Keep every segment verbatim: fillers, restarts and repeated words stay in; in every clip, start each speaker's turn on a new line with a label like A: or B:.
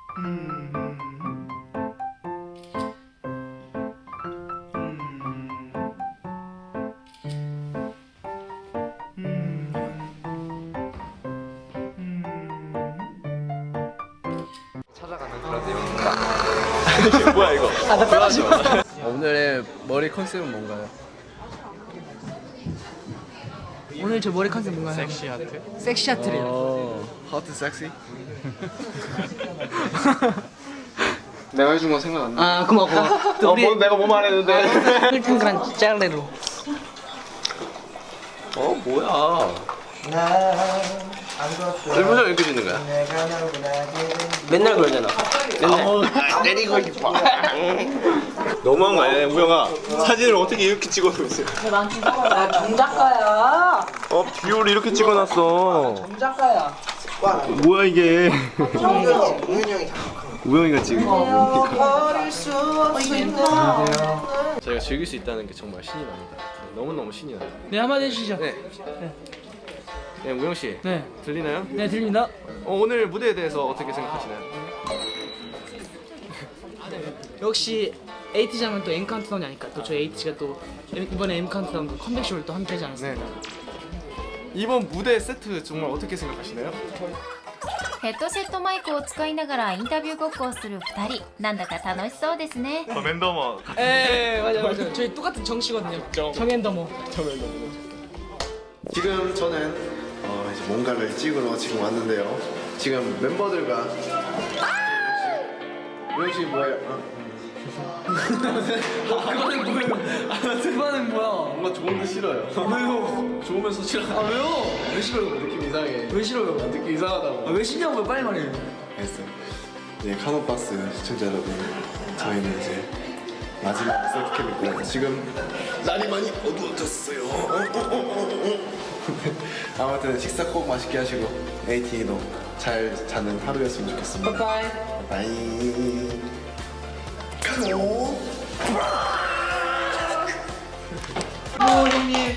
A: 찾아가는 그런 내용입니다. 뭐야 이거? 아, 나 빼가지 마. 오늘의 머리 컨셉은 뭔가요?
B: 오늘 저 머리 컨셉 뭔가요?
A: 섹시 하트?
B: 섹시 하트래요.
A: 어, 하트 섹시? 내가 해준 건 생각 안 나.
B: 아 고마워 고마워. 또
A: 어,
B: 우리
A: 뭐, 내가 뭐 말했는데?
B: 탱탱그란 짤레로.
A: 어 뭐야? 일부러 이렇게 짓는 거야?
B: 맨날 그러잖아.
A: 맨날 때리고 싶어. 너무한 거 아니야, 우영아? 사진을 어떻게 이렇게 찍어놓고 있어?
B: 나 정작가야.
A: 어, 비율을 이렇게 찍어놨어.
B: 정작가야.
A: 뭐야 이게? 우영이가 지금 저희가 즐길 수 있다는 게 정말 신이 납니다. 너무너무 신이 나요.
B: 네 한마디 해주시죠.
A: 네. 네, 우영 씨.
B: 네.
A: 들리나요?
B: 네 들립니다.
A: 어, 오늘 무대에 대해서 어떻게 생각하시나요?
B: 역시 에이티즈 하면 또 M 카운트다운이 아닐까. 또 저희 에이티즈가 또 이번에 M 카운트다운 컴백쇼를 또 함께하지 않았습니까?
A: 네. 이번 무대 세트 정말 어떻게 생각하시나요?
C: ヘッドセットマイクを使いながらインタビューごっこをするふたり、なんだか楽しそうですね。
A: 더맨더머.
B: 에 맞아 맞아. 저희 똑같은 정씨거든요.
A: 정.
B: 정앤더머.
D: 지금 저는 어 이제 뭔가를 찍으러 지금 왔는데요. 지금 멤버들과 우영 씨 뭐예요? 어?
B: 그거는 뭐예요? 그거는 뭐야?
D: 뭔가 좋은데 싫어요.
B: 왜요?
D: 좋으면서 싫어.
B: 아 왜요?
D: 왜 싫어요? 느낌 이상해.
B: 왜 싫어요?
D: 느낌 이상하다고.
B: 아, 왜 싫냐고요? 빨리 말해요.
D: 알겠어요. 네, 카노박스 시청자 여러분, 저희는 이제 마지막 셀프캠이고요. 지금 날이 많이 어두워졌어요. 어, 어, 어, 어, 어. 아무튼 식사 꼭 맛있게 하시고 에이티도 잘 자는 하루였으면 좋겠습니다.
B: 바이바이.
D: 바이. 카노.
B: 오 형님.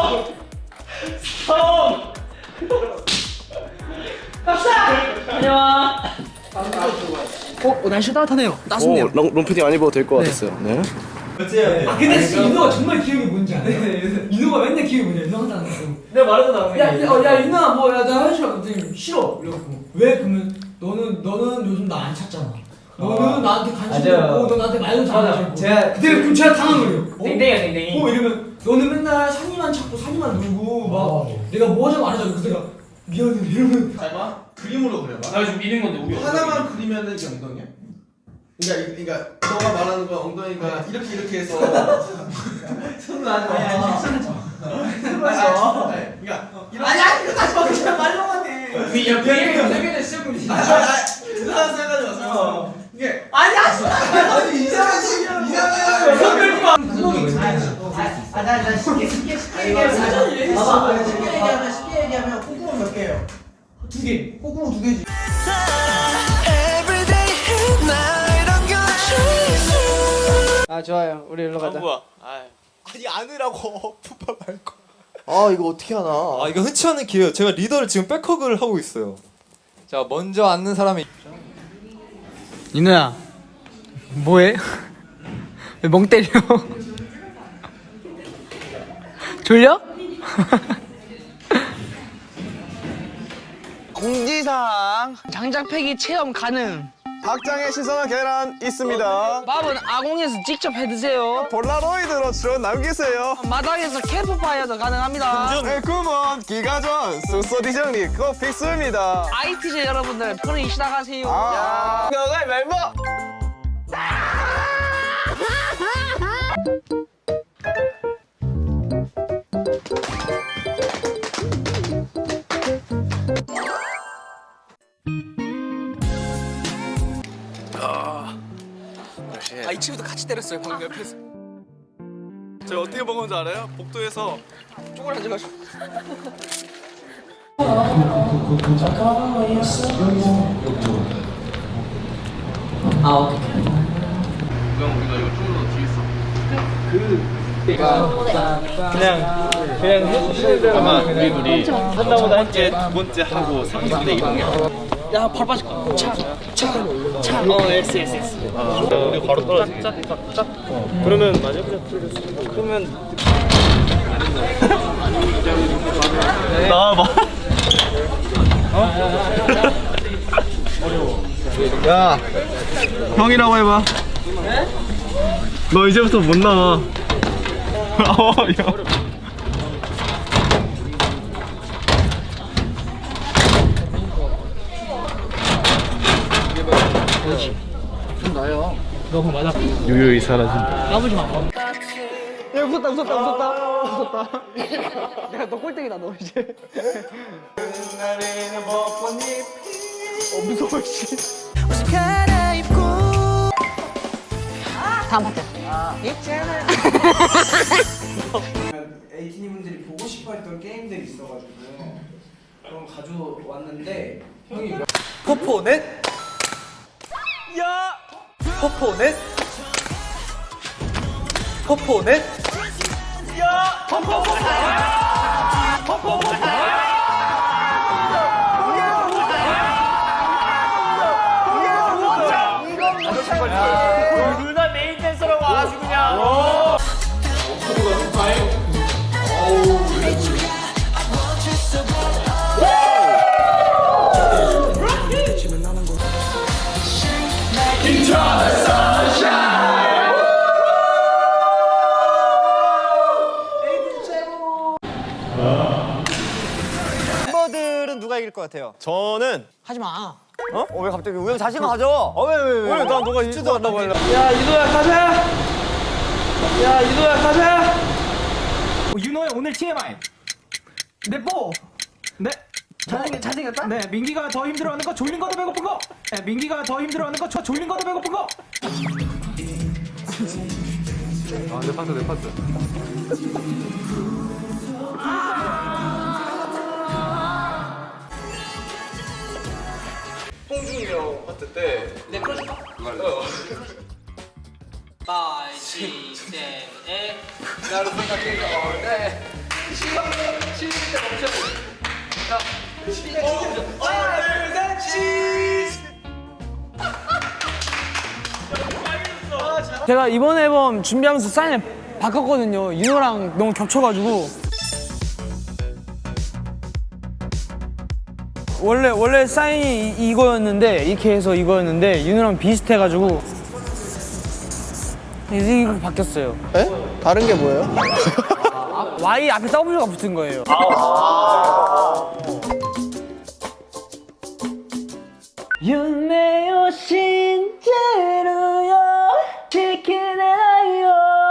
B: 어, 어 날씨 따뜻하네요. 따뜻네요.
A: 롱피디 안 입어도 될 것
B: 네.
A: 같았어요. 네.
E: 아 근데 진짜 인호가 정말 기억이 뭔지 알아? 인호가 맨날 기억이 뭔지 알아? 인호 항상 안 했어. 내가 말했잖아. 야, 야, 어, 야 인호야 뭐야나 현실 갑자기 싫어. 이러고 왜 그러면 너는 너는 요즘 나 안 찾잖아. 너는 나한테 관심도
F: 맞아요.
E: 없고 너 나한테 말도 잘 안
F: 맞아.
E: 하고.
F: 제가
E: 그때 그럼 제가 당한 거예요. 어?
F: 땡땡이야 땡땡이.
E: 어 이러면 너는 맨날 산이만 찾고 산이만 놀고 막
F: 어.
E: 내가 뭐 하자고 안 하자고 그래서 내가 미안해 이러면
G: 잘 봐. 그림으로 그려봐.
F: 나 요즘 미는 건데 우리
G: 하나만 그리면은 이게 엉덩이야? 그러니까 이- 그러니까 너가 말하는 건 엉덩이가 이렇게 이렇게 해서
E: 손을 안 해. 아니 손을 줘.
G: 그러니까 이렇게
E: 아니 아니 이거 다시 봐. 그냥 말로만 해.
F: 그 옆에 세계대 시작금 진짜.
G: 이상한 생각하지 마세요. 이게
E: 아니 하지 마.
G: 아니 이상한 식 이상한
E: 구멍이 두 개지. 아나나 쉽게 쉽게 쉽게 얘기하면 봐봐. 쉽게 얘기하면 쉽게 얘기하면 콧구멍 몇 개예요? 두 개. 콧구멍 두 개지.
B: 아 좋아요. 우리 일로 가자.
A: 뭐야?
G: 아니 안으라고 푸파 말고.
H: 아 이거 어떻게 하나?
I: 아 이거 흔치 않은 기회예요. 제가 리더를 지금 백허그를 하고 있어요. 자 먼저 앉는 사람이
B: 인호야. 뭐해? 왜 멍 때려? 졸려?
H: 공지사항.
B: 장작패기 체험 가능.
H: 박장의 신선한 계란 있습니다.
B: 밥은 아공에서 직접 해드세요.
H: 폴라로이드로 쭉 남기세요.
B: 마당에서 캠프파이어도 가능합니다.
H: 꿈은 기가전 숙소 정리 꼭 필수입니다.
B: 아이티제 여러분들 편히 쉬다 가세요.
H: 아, 너가 멤버.
B: 아, 이 친구도 같이 때렸어요 방금 옆에서.
A: 저 어떻게 먹은 줄 알아요? 복도에서
B: 쪼그려 앉아가지고. 아 어떡해.
A: 우영 우리가 이거 좀더 뒤에 있어.
F: 그냥 그냥 해주시는 대로
A: 아마 우리 둘이 한나보다 함께 두 번째 하고 삼 대 이동이야.
B: 야 바로 빠질 거야. 차차차 어 S S S.
A: 우리 바로 떨어지게. 짝짝짝. 그러면 맞아 보자. 그러면 나와봐. 야, 형이라고 해봐. 너 이제부터 못 나와. 어, 야.
B: 너무 맞아.
A: 유유히 사라진다.
B: 까부지 마. 야 웃었다 웃었다 웃었다 웃었다. 내가 너 꼴등이다 너 이제. 어 무서워 씨. 다음 파트.
E: 에이티니 분들이 보고 싶어했던 게임들이 있어가지고 그럼 가져왔는데 형이
I: 포포넷? 야! 포포넷? 포포넷? 야! 포포넷! 포포넷!
F: 둘 다 메인 댄서라고 와가지고 그냥.
I: 멤버들은 누가 이길 것 같아요?
A: 저는
B: 하지 마.
I: 어? 어, 왜 갑자기 우영 자신감 가져? 어, 왜, 왜, 왜? 왜? 나 너가 일주도 한다고 하려.
E: 야 이도야 가자. 야 이도야 가자.
F: 윤호의 오늘 티엠아이. 네 뽀. 네.
B: 잘생 잘생겼다.
F: 네, 민기가 더 힘들어하는 거 졸린 거도 배고픈 거. 네, 민기가 더 힘들어하는 거 저 졸린 거도 배고픈 거.
H: 아, 내 파트, 내 파트.
A: 홍준이 형 파트 때
B: 내 풀어줄까?
A: 어.
B: 파이 시스템 에.
A: 나를 생각해. 어, 네. 시험 시험 때 멈춰. 자, 시작 시작. 하나, 둘, 셋, 치즈.
E: 제가 이번 앨범 준비하면서 사인을 바꿨거든요. 윤호랑 너무 겹쳐가지고. 원래 원래 사인이 이, 이거였는데 이렇게 해서 이거였는데 윤호랑 비슷해가지고 이제 이거 바뀌었어요.
G: 에? 다른 게 뭐예요?
E: Y 앞에 W가 붙은 거예요. 윤내요 신제로요 지키나요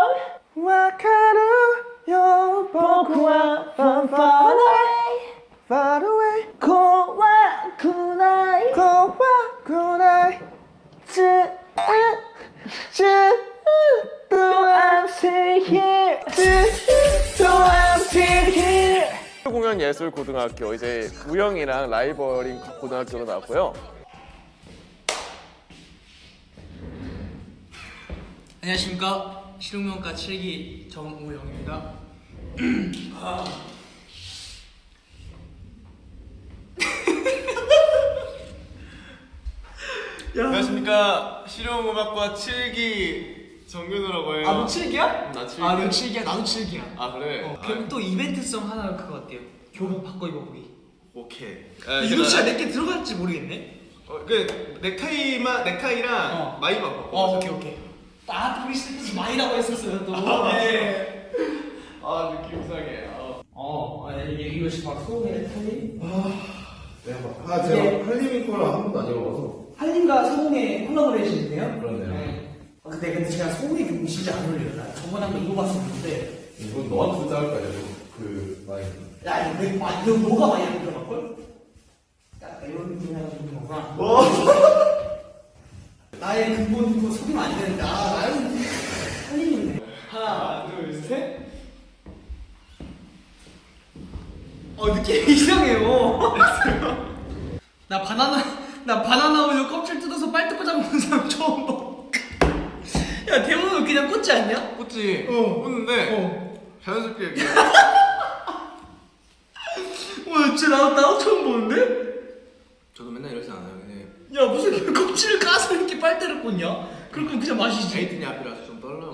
E: 와카루요 보쿠와 펀펀아이 Far away 고와 쿠나이 고와 쿠나이 또 I'm still here 또 I'm still here
H: 공연예술고등학교 이제 우영이랑 라이벌인 고등학교로 나왔고요.
B: 안녕하십니까 실용명가 칠 기 정우영입니다. 아.
A: 안녕하십니까 실용음악과 칠 기 정균우라고 해요.
B: 아 너 칠 기야?
A: 나 칠 기.
B: 아 너 칠 기야? 나도 칠 기야.
A: 아 그래?
B: 어, 그럼 또 이벤트성 하나 그거 어때요? 교복 바꿔 입어보기.
A: 오케이.
B: 이거 진짜 내게 들어갈지 모르겠네.
A: 어, 그 넥타이만 넥타이랑
B: 어.
A: 마이만 바꿔.
B: 어 오케이 오케이. 아 우리 시작해서 많이라고 했었어요 또. 네.
A: 아 느낌 이상해. 어.
B: 어, 아, 이게 이것이 바로 소금의 탈림.
G: 아 제가 할리민 거랑 한 번도 안 입어봐서.
B: 할림과 소금의 콜라보레이션인데요.
G: 그러네요.
B: 네. 어, 근데 근데 제가 소금이 그 진짜 안 어울려요. 나 저번에 한번 입어봤었는데.
G: 이건 너한테 진짜 할 거야. 그 많이.
B: 야 이거 내 아, 이거 뭐가 많이 들어갈 걸? 약간 이런 느낌 해가지고 그런 거구나. 나의 근본 그거 속이면 안 되는데. 아 나는 할림인데. 하나, 둘, 셋. 어 느낌이 이상해요. 나 바나나 나 바나나 우유 껍질 뜯어서 빨대 꽂아 먹는 사람 처음 봐. 야 대부분 그냥 꽂지 않냐?
A: 꽂지.
B: 어.
A: 꽂는데
B: 어.
A: 자연스럽게 이렇게.
B: 와 진짜 나도 나도 처음 보는데?
A: 저도 맨날 이러지 않아요.
B: 야 무슨 껍질을 까서 이렇게 빨대를 꽂냐? 그럼 그냥 마시지.
G: 에이튼이 앞이라서 좀 떨려.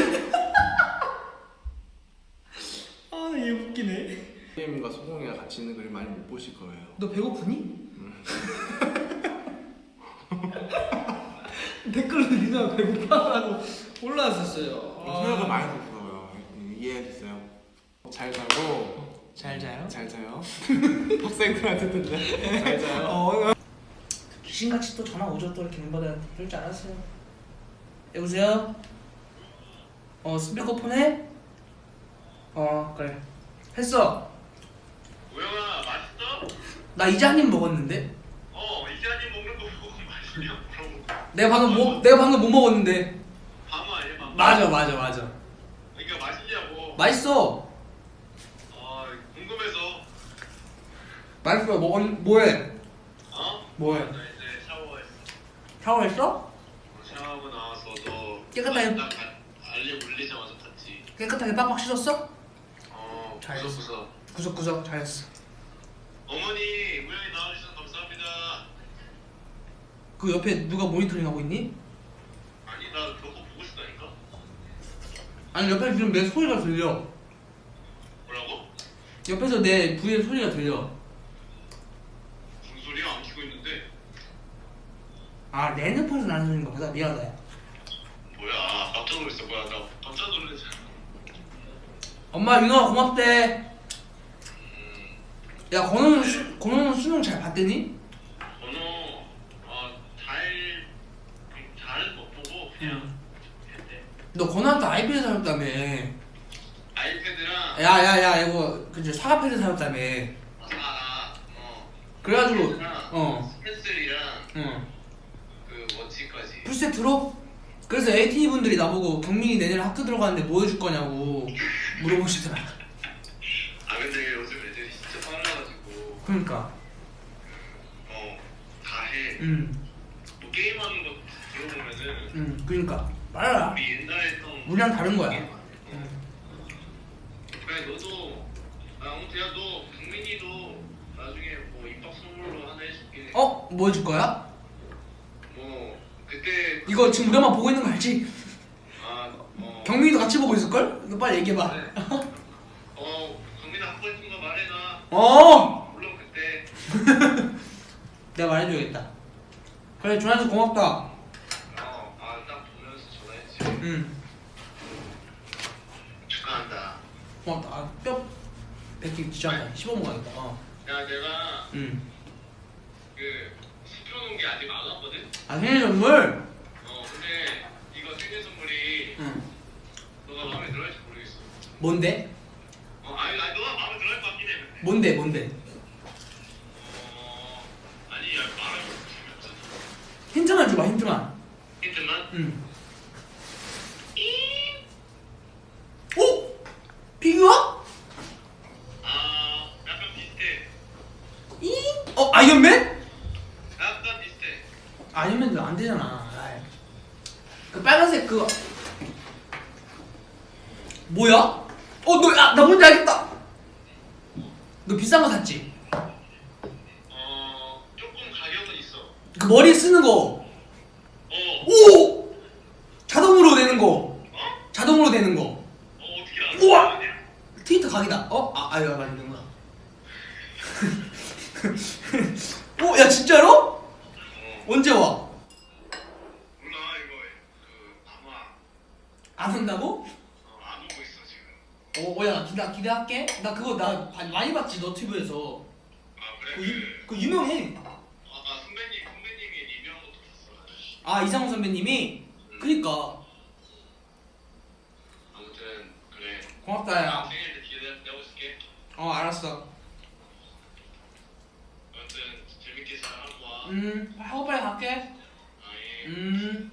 B: 아얘 웃기네.
G: 게임과 소공이가 같이 있는 그림 많이 못 보실 거예요.
B: 너 배고프니? 댓글로 리나 배고파라고 올라왔었어요.
G: 생각을 많이 해서 이해해주세요. 잘 자고
B: 잘 자요?
G: 잘 자요. 학생들한테 듣네. 잘 자요.
B: 어, 귀신같이 또 전화 오죠. 또 이렇게 멤버들한테. 그럴 줄 알았어요. 여보세요? 어 스피커폰 해? 어 그래 했어.
H: 우영아 맛있어?
B: 나 이제 한 입 먹었는데.
H: 어 이제 한입 먹는 거 보고 맛있냐 물어보고.
B: 내가 방금 뭐 내가 방금 못 먹었는데.
H: 밤 아니야 밤?
B: 맞아 맞아 맞아.
H: 그러니까 맛있냐고.
B: 맛있어.
H: 아 궁금해서.
B: 맛있어. 먹었 뭐해?
H: 어?
B: 뭐해?
H: 나 이제 샤워했어.
B: 샤워했어?
H: 샤워하고 나와서 너
B: 깨끗하게-
H: 나 가- 알리 물리자마자 봤지.
B: 깨끗하게 빡빡 씻었어?
H: 어
B: 잘
H: 구석구석.
B: 구석구석 잘했어.
H: 어머니 우영이 나와주셔서 감사합니다.
B: 그 옆에 누가 모니터링 하고 있니?
H: 아니 나 너거 보고 싶다니까.
B: 아니 옆에 지금 내 소리가 들려.
H: 뭐라고?
B: 옆에서 내 부의 소리가 들려.
H: 무슨 소리야? 안 키고 있는데.
B: 아 내 핸드폰에서 나는 소리인가 보다. 미안하다. 야.
H: 뭐야 깜짝 놀랐어. 뭐야 나 깜짝 놀랐잖아. 엄마
B: 윤호가 고맙대. 야 건우는 수, 건우는 수능 잘 봤대니?
H: 번호 어잘 잘은 못 보고 그냥 했대.
B: 너 건우한테 아이패드 사줬다며.
H: 아이패드랑
B: 야야야 이거 그저 사과패드 사줬다며.
H: 아어
B: 그래가지고 어
H: 스펜슬이랑
B: 응.
H: 그 워치까지.
B: 풀세트로? 그래서 에이티니 분들이 나보고 경민이 내년 학교 들어가는데 뭐 해줄 거냐고 물어보시더라.
H: 아 근데 요즘 애들이 진짜 빨라가지고
B: 그러니까.
H: 어다 해.
B: 응.
H: 뭐 게임하는 거 들어보면은
B: 응. 그러니까 빨라.
H: 우리 옛날에 했던
B: 우리랑 다른 거야.
H: 어. 그래 너도 아 아무튼 야너 국민이도 나중에 뭐 입학 선물로 하나 해줄게.
B: 어? 뭐 해줄 거야?
H: 뭐 그때
B: 이거 지금 우리 엄마 보고 있는 거 알지?
H: 아어
B: 경민이도 같이 보고 있을걸? 이거 빨리 얘기해봐.
H: 네. 어 국민아 하고 싶은 거 말해놔.
B: 어!
H: 물론 그때
B: 내가 말해줘야겠다. 그래 전화해서 고맙다.
H: 어아딱 보면서 전화했지.
B: 응.
H: 축하한다.
B: 고맙다. 아, 뼈 뱉기 진짜 씹어먹어 가겠다. 어.
H: 야 내가
B: 응.
H: 그 시켜놓은 게 아직 안 왔거든.
B: 아 생일 선물?
H: 어 근데 이거 생일 선물이
B: 응.
H: 너가 마음에 들어할지 모르겠어.
B: 뭔데?
H: 어 아니 아니 너가 마음에 들어할 것 같긴 해. 근데.
B: 뭔데 뭔데?
H: 어 아니 야 말하면 재미없잖아.
B: 힌트만 줘봐 힌트만.
H: 힌트만.
B: 응. 오? 피규어?
H: 아 약간 비슷해.
B: 이? 어 아이언맨?
H: 약간 비슷해.
B: 아이언맨도 안 되잖아. 아이. 그 빨간색 그거 뭐야? 어 너 아 나 뭔지 알겠다. 너 비싼 거 샀지?
H: 어 조금 가격은 있어.
B: 그 머리에 쓰는 거.
H: 어.
B: 오! 자동으로 되는 거.
H: 어?
B: 자동으로 되는 거.
H: 어 어떻게 알아?
B: 우와! 트위터 각이다. 어? 아, 아유, 맞는구나. 오, 야, 진짜로?
H: 어.
B: 언제 와?
H: 몰라 이거 그 아마
B: 안 온다고?
H: 어, 안 오고 있어 지금.
B: 어, 어, 야, 나 기대, 기대할게. 나 그거 나 바- 많이 봤지, 너튜브에서.
H: 아 그래?
B: 그,
H: 그,
B: 유, 그 유명해.
H: 아, 아 선배님 선배님이 리뷰한 것도 봤어. 아저씨.
B: 아, 이상호 선배님이? 그니까.
H: 아무튼 그래.
B: 고맙다, 야.
H: 생일 때 기대하고 있을게.
B: 어, 알았어.
H: 아무튼 재밌게 잘 하고 와.
B: 음, 하고 빨리 갈게.
H: 아 예.
B: 음.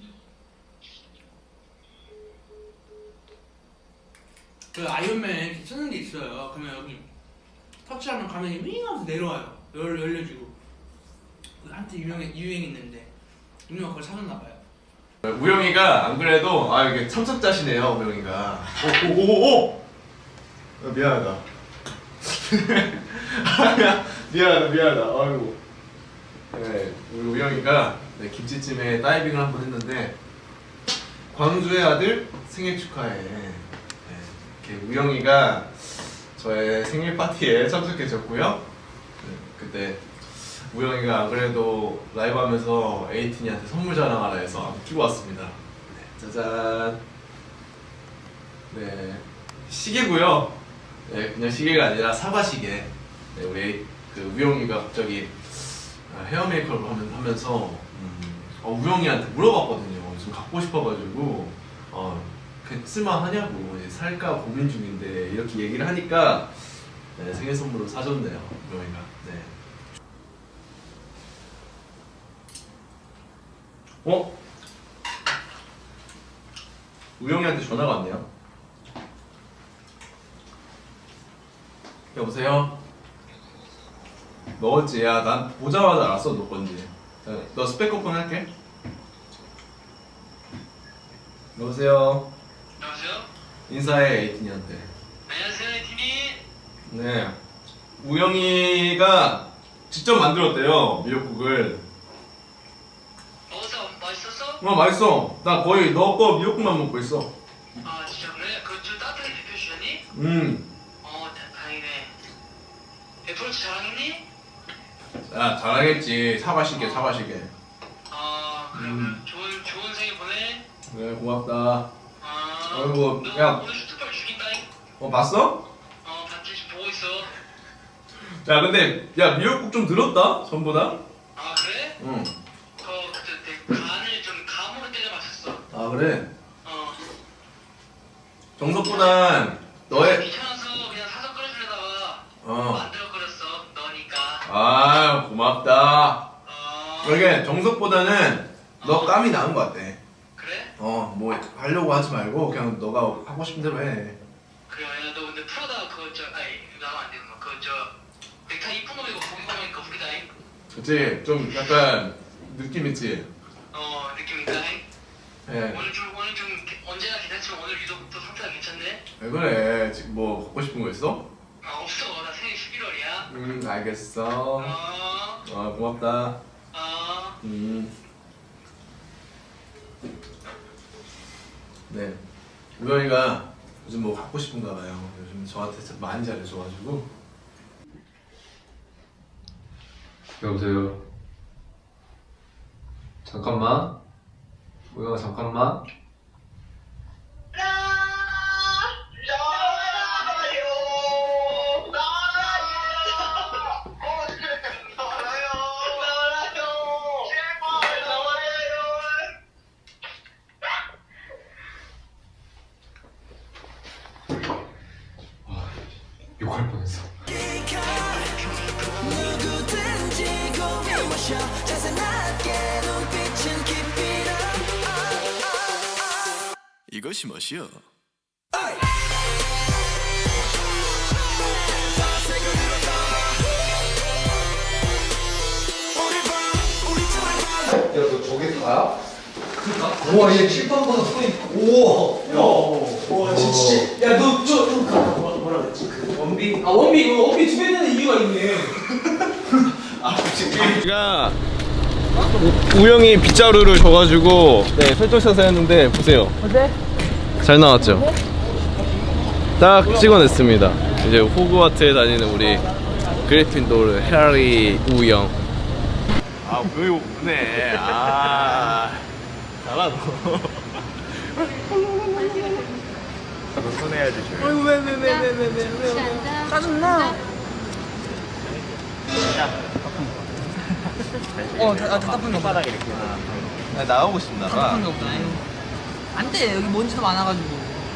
B: 그 아이언맨 쓰는 게 있어요. 그러면 여기 터치하면 가면이 윙 하면서 내려와요. 열, 열려지고. 그 한때 유명해, 유행 있는데 윤호가 그걸 사줬나 봐요.
D: 우영이가 안 그래도 아 이게 참석자시네요 우영이가. 오오오오. 어, 미안하다. 아, 미안, 미안하다 미안하다. 아이고.
G: 네, 우리 우영이가 네, 김치찜에 다이빙을 한번 했는데 광주의 아들 생일 축하해. 네, 이렇게 우영이가 저의 생일 파티에 참석해줬고요. 네, 그때 우영이가 안 그래도 라이브 하면서 에이틴이한테 선물 자랑하라 해서 한번 끼고 왔습니다. 네, 짜잔. 네, 시계고요. 네, 그냥 시계가 아니라 사과 시계. 네, 우리 그 우영이가 갑자기 헤어 메이크업을 하면, 하면서 음, 어, 우영이한테 물어봤거든요. 좀 갖고 싶어가지고 어, 그 쓸만하냐고 이제 살까 고민 중인데 이렇게 얘기를 하니까 네, 생일 선물로 사줬네요. 우영이가. 네. 어? 우영이한테 전화가 왔네요. 여보세요? 먹었지? 야, 난 보자마자 알았어, 너 건지. 자, 너 스피커폰 할게. 여보세요?
H: 여보세요?
G: 인사해, 에이틴이한테.
H: 안녕하세요, 에이틴이.
G: 네. 우영이가 직접 만들었대요, 미역국을.
H: 먹었어? 맛있었어?
G: 어, 맛있어. 나 거의 너 거 미역국만 먹고 있어.
H: 아, 진짜 그래? 그거 좀 따뜻하게 데펴주셨니?
G: 음.
H: 어, 다, 다행이네. 애플워치 자랑했니?
G: 야, 잘하겠지. 사과시계, 사과시계.
H: 아, 그래,
G: 음.
H: 그래. 좋은, 좋은 생일 보내.
G: 네, 고맙다.
H: 아,
G: 아이고,
H: 너
G: 야.
H: 오늘 슈트빨 죽인다잉?
G: 어, 봤어?
H: 어, 봤지? 지금 보고 있어.
G: 야, 근데, 야, 미역국 좀 늘었다? 전보다?
H: 아, 그래?
G: 응.
H: 그, 그때 내 간을 좀 감으로 때려 맞췄어.
G: 아, 그래?
H: 어.
G: 정석보단 너의
H: 귀찮아서 그냥 사서 끓여주려다가
G: 어.
H: 만들어 끓였어. 너니까.
G: 아 고맙다.
H: 어.
G: 그러게 정석보다는 너 감이 나은 것 같아.
H: 그래?
G: 어 뭐 하려고 하지 말고 그냥 너가 하고 싶은 대로 해.
H: 그래, 야, 너 근데 프로다 그거 저, 아니 나가면 안 되는 거. 그거 저 넥타이 이쁜 거 입고 보기 보니까 웃기다잉.
G: 그치? 좀 약간 느낌 있지?
H: 어, 느낌 있다잉.
G: 예.
H: 오늘 좀 오늘 좀 게- 언제나 괜찮지만 오늘 유독 또 상태가 괜찮네.
G: 왜 그래? 지금 뭐 갖고 싶은 거 있어?
H: 아, 없어. 나 생일 십일월이야.
G: 음 알겠어.
H: 어.
G: 아 고맙다.
H: 어.
G: 음. 네. 우영이가 요즘 뭐 갖고 싶은가 봐요. 요즘 저한테 진짜 많이 잘해줘가지고.
A: 여보세요. 잠깐만. 우영아 잠깐만. 욕할 뻔했어.
D: 이것이 멋이여.
A: 야너 저게 다야?
B: 우와, 얘 칠판보다 손이. 우와. 야. 와, 진짜. 야, 너 저, 좀 가. 뭐라, 뭐라 그랬지? 그 원비. 아, 원비. 이거 원비 두 개 되는 이유가 있네.
G: 제가 우영이 빗자루를 줘가지고 네 설정샷을 했는데 보세요. 어때? 잘 나왔죠? 딱 찍어냈습니다. 이제 호그와트에 다니는 우리 그리핀도르 해리 우영. 아 우영이 웃네. 아 잘하노. 너 손해야지. 아이고 왜왜왜왜왜왜 짜증나.
B: 어, 다, 아, 답답한 거 봐.
G: 아, 나가고 싶나 봐.
B: 답답한 거 보다. 안 돼. 여기 먼지도 많아가지고.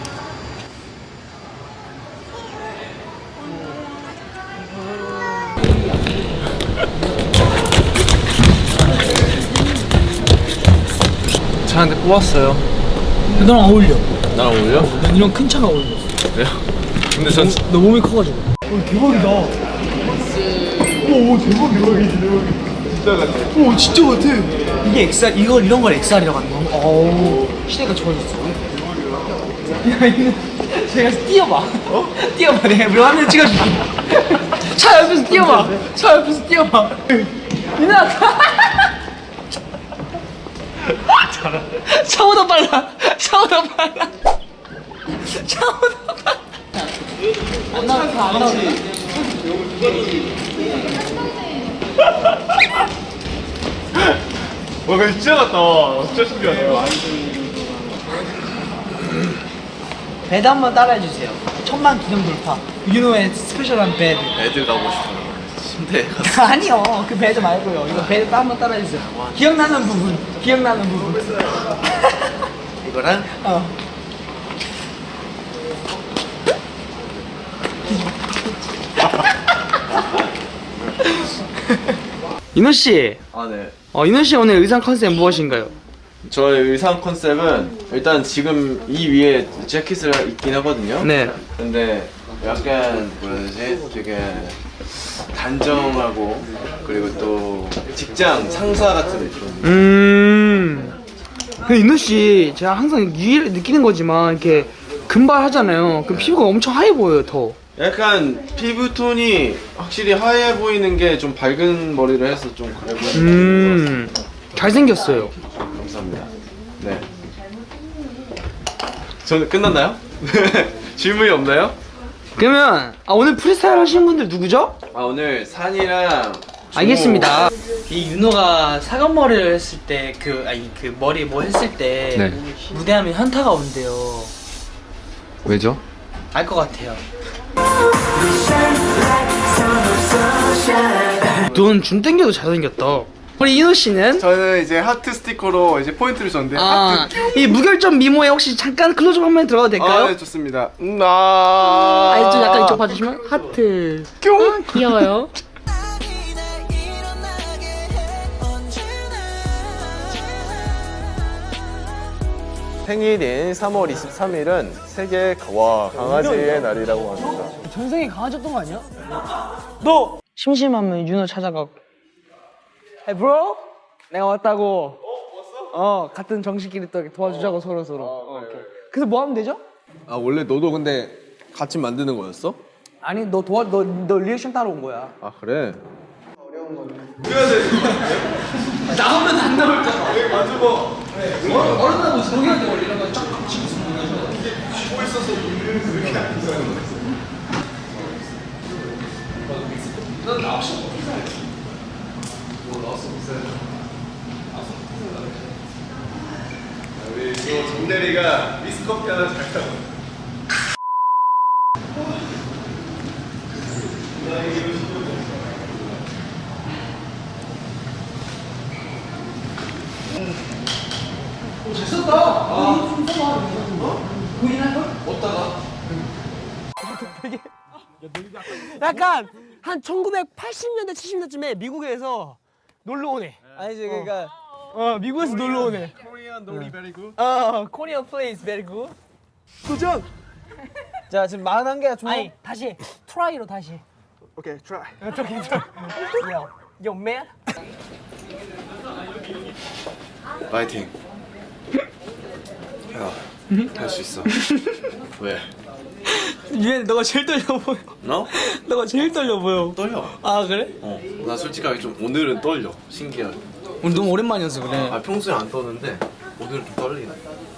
G: 차한테 뽑았어요.
B: 너랑 어울려.
G: 나랑 어울려?
B: 난 이런 큰 차가 어울려.
G: 그래요? 근데 전
B: 너 몸이 커가지고. 오, 대박이다. 오, 대박이다.
G: 진짜 같아.
B: 오, 진짜 같아. 이게 엑스알, 이걸 이런 걸 엑스알이라고 하는 거야. 어우, 시대가 좋아졌어. 야, 이거 제가 뛰어봐. 어? 뛰어봐. 내가 몇 화면 찍어줄게. 차 옆에서 뛰어봐. 차 옆에서 뛰어봐. 민아. 샤워도 빨라. 샤워도 빨라. 샤워도 빨라. 안 나왔어, 안 나왔어.
G: 와, 근데 진짜 같다. 진짜 신기하다.
B: 배드 한번 따라해주세요. 천만 기념 돌파. 윤호의 스페셜한 배드.
G: 애들 가고 싶어요. 침대에 가서.
B: 아니요, 그 배드 말고요. 이거 배드 한번 따라해주세요. 기억나는 부분. 기억나는 부분.
G: 이거랑
B: 어. 인호 씨,
G: 아, 네.
B: 어 인호 씨 오늘 의상 컨셉 무엇인가요?
G: 저의 의상 컨셉은 일단 지금 이 위에 재킷을 입긴 하거든요.
B: 네.
G: 근데 약간 뭐라 해야 되지? 되게 단정하고 그리고 또 직장 상사 같은 느낌.
B: 음. 그 인호 씨, 제가 항상 유일 느끼는 거지만 이렇게 금발 하잖아요. 그럼 피부가 엄청 하얘 보여요, 더.
G: 약간 피부톤이 확실히 하얘 보이는 게 좀 밝은 머리를 해서 좀 그래 보이는
B: 음. 잘생겼어요.
G: 것 같아요. 감사합니다. 네. 저는 끝났나요? 질문이 없나요?
B: 그러면 아, 오늘 프리스타일 하시는 분들 누구죠?
G: 아, 오늘 산이랑
B: 알겠습니다. 이 윤호가 사각머리를 했을 때 그 아니 그 머리 뭐 했을 때
I: 네.
B: 무대하면 현타가 온대요.
I: 왜죠?
B: 알 것 같아요. 넌 준 땡겨도 잘생겼다. 우리 인호 씨는?
G: 저는 이제 하트 스티커로 이제 포인트를 줬는데
B: 아, 이 무결점 미모에 혹시 잠깐 클로즈업 한번 들어가도 될까요?
G: 아, 네, 좋습니다. 음, 아,
B: 아니 좀 약간 이쪽 봐주시면 하트. 아, 귀여워요.
G: 생일인 삼월 이십삼일은 세계 와 강아지의 날이라고 합니다.
B: 전생에 강아지였던 거 아니야? 너 심심하면 윤호 찾아가고. Hey bro, 내가 왔다고. 어, 어 같은 정식끼리 또 이렇게 도와주자고 서로 서로. 어, 오케이. 그래서 뭐 하면 되죠?
G: 아, 원래 너도 근데 같이 만드는 거였어?
B: 아니 너 도와 너 너 리액션 따러 온 거야.
G: 아, 그래?
B: 나오면 안 나올까? 네, 맞아 뭐. 어른하고 저기한테 원래 이런 거 쫙 치고 있으면
G: 쉬고 있어서 우리는 이렇게 안 있어요. 난 나왔어. 뭐 나왔어 우리 또 정대리가 미스커피 하나 잘 타고.
B: 잘 썼다. 아, 좀 써봐. 보이나 걸? 어디다가? 되게 약간 한 천구백팔십 년대 칠십 년대쯤에 미국에서 놀러 오네. 아니지 그러니까 어 미국에서 놀러 오네.
G: Korean 놀이 very good.
B: 어 Korean place very good. 도전. 자 지금 말한 게 좀. 아니 다시 트라이로 다시.
G: 오케이, try.
B: 오케이 트라이. Yo, yo man.
G: 파이팅. 야, 할 수 있어. 왜?
B: 유엔 너가 제일 떨려 보여.
G: 너?
B: 너가 제일 떨려 보여.
G: 떨려.
B: 아 그래?
G: 어. 나 솔직하게 좀 오늘은 떨려. 신기하게.
B: 오늘 너무 오랜만이어서 그래.
G: 아, 평소에 안 떠는데 오늘은 좀 떨리네.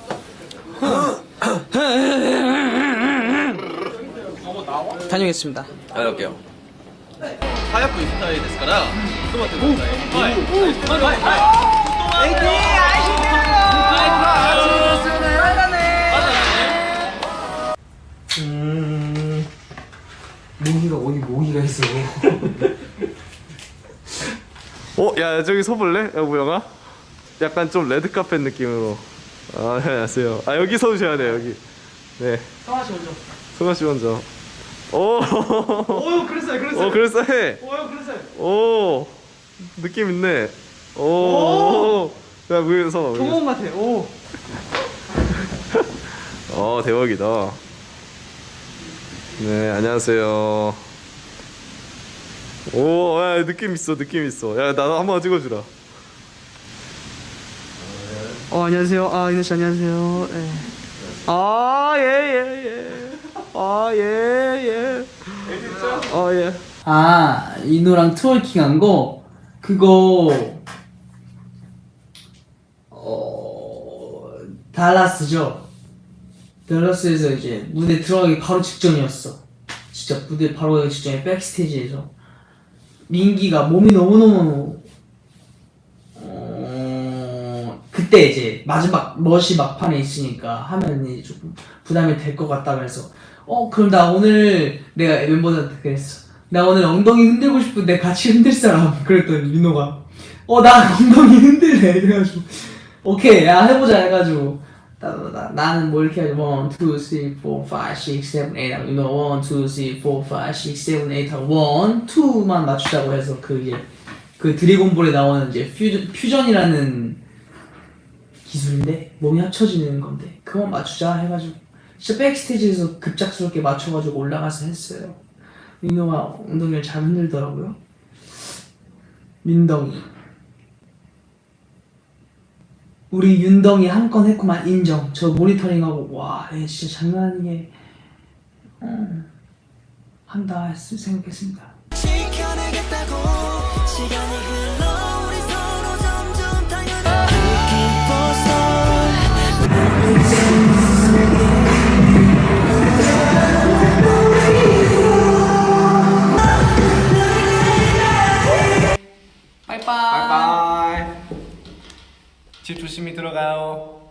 B: 다녀오겠습니다.
G: 다녀올게요. 하얗고 스타일 ですから ちょっと待ってください。はい。はい。はい。
B: 에이티 아이씨. 음. 모기가 어디 모기가 있어.
G: 어, 야, 저기 서볼래? 야, 모영아? 약간 좀 레드카펫 느낌으로. 아, 네, 안녕하세요. 아, 여기 서주셔야 돼요, 여기. 네.
B: 성아 씨 먼저.
G: 승아 씨 먼저. 오.
B: 오, 그랬어요, 그랬어요.
G: 오, 그럴싸해.
B: 오, 그랬어요.
G: 오. 느낌 있네. 오. 야, 위에서.
B: 동원 같아. 오.
G: 어, 대박이다. 네, 안녕하세요. 오, 야, 느낌 있어, 느낌 있어. 야, 나도 한번 찍어주라.
B: 어, 안녕하세요. 아, 이노 씨 안녕하세요. 네. 아, 예, 예, 예. 아, 예, 예. 아, 예. 아, 이노랑 트월킹 한 거? 그거 어 달라스죠. 달라스에서 이제 무대 들어가기 바로 직전이었어. 진짜 무대 바로 가기 직전에 백스테이지에서 민기가 몸이 너무너무 어 그때 이제 마지막 멋이 막판에 있으니까 하면 이제 조금 부담이 될 것 같다면서 어 그럼 나 오늘 내가 멤버들한테 그랬어. 나 오늘 엉덩이 흔들고 싶은데 같이 흔들 사람. 그랬더니 민호가 어 나 엉덩이 흔들래. 그래가지고 오케이 야 해보자 해가지고 나, 나, 나는 뭐 이렇게 하지 원, 투, 쓰리, 포, 파이브, 식스, 세븐, 에잇 하고 민호 원, 투, 쓰리, 포, 파이브, 식스, 세븐, 에잇 하고 원, 투만 맞추자고 해서 그 이제 그 드래곤볼에 나오는 이제 퓨전, 퓨전이라는 기술인데 몸이 합쳐지는 건데 그건 맞추자 해가지고 진짜 백스테이지에서 급작스럽게 맞춰가지고 올라가서 했어요. 민호가 엉덩이를 잘 흔들더라고요. 민덩이 우리 윤덩이 한 건 했구만. 인정. 저 모니터링하고 와 얘 진짜 장난 아니게 어, 한다 했, 생각했습니다.
J: 지켜내겠다고 시간이 흘러 우리 서로 점점 당연한 Looking for
A: 빠이빠이. 집 조심히 들어가요.